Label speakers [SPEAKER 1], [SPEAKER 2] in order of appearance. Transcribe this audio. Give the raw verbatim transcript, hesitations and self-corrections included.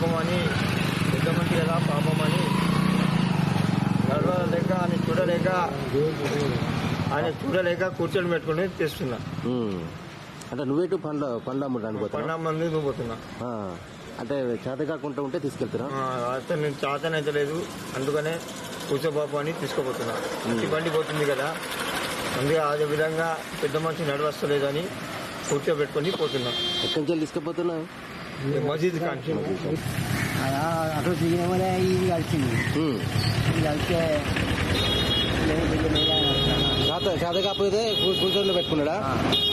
[SPEAKER 1] పాపం అని పెద్ద మంచి కదా పాపం అని నడవలేక ఆయన చూడలేక ఆయన చూడలేక కూర్చొని పెట్టుకుని తెస్తున్నా.
[SPEAKER 2] అంటే నువ్వేటు పండ్ల పండ్ల అమ్మడానికి
[SPEAKER 1] పన్నెండు మంది నువ్వు పోతున్నా.
[SPEAKER 2] అంటే చేత కాకుండా ఉంటే తీసుకెళ్తున్నా.
[SPEAKER 1] అతను నేను చేతనైతే లేదు, అందుకనే కూర్చోబాబు అని తీసుకుపోతున్నా. ఈ బండి పోతుంది కదా, అందుకే అదే విధంగా పెద్ద మనిషి నడవస్తలేదు అని కూర్చోబెట్టుకొని పోతున్నా.
[SPEAKER 2] ఎక్కడి నుంచి తీసుకుపోతున్నా?
[SPEAKER 1] మసీద్ కానీ
[SPEAKER 3] అటు దిగిన వల్ల ఇది కలిసింది. ఇది కలిస్తే
[SPEAKER 2] చేత చేత కాకపోతే కూర్చొని పెట్టుకున్నాడా?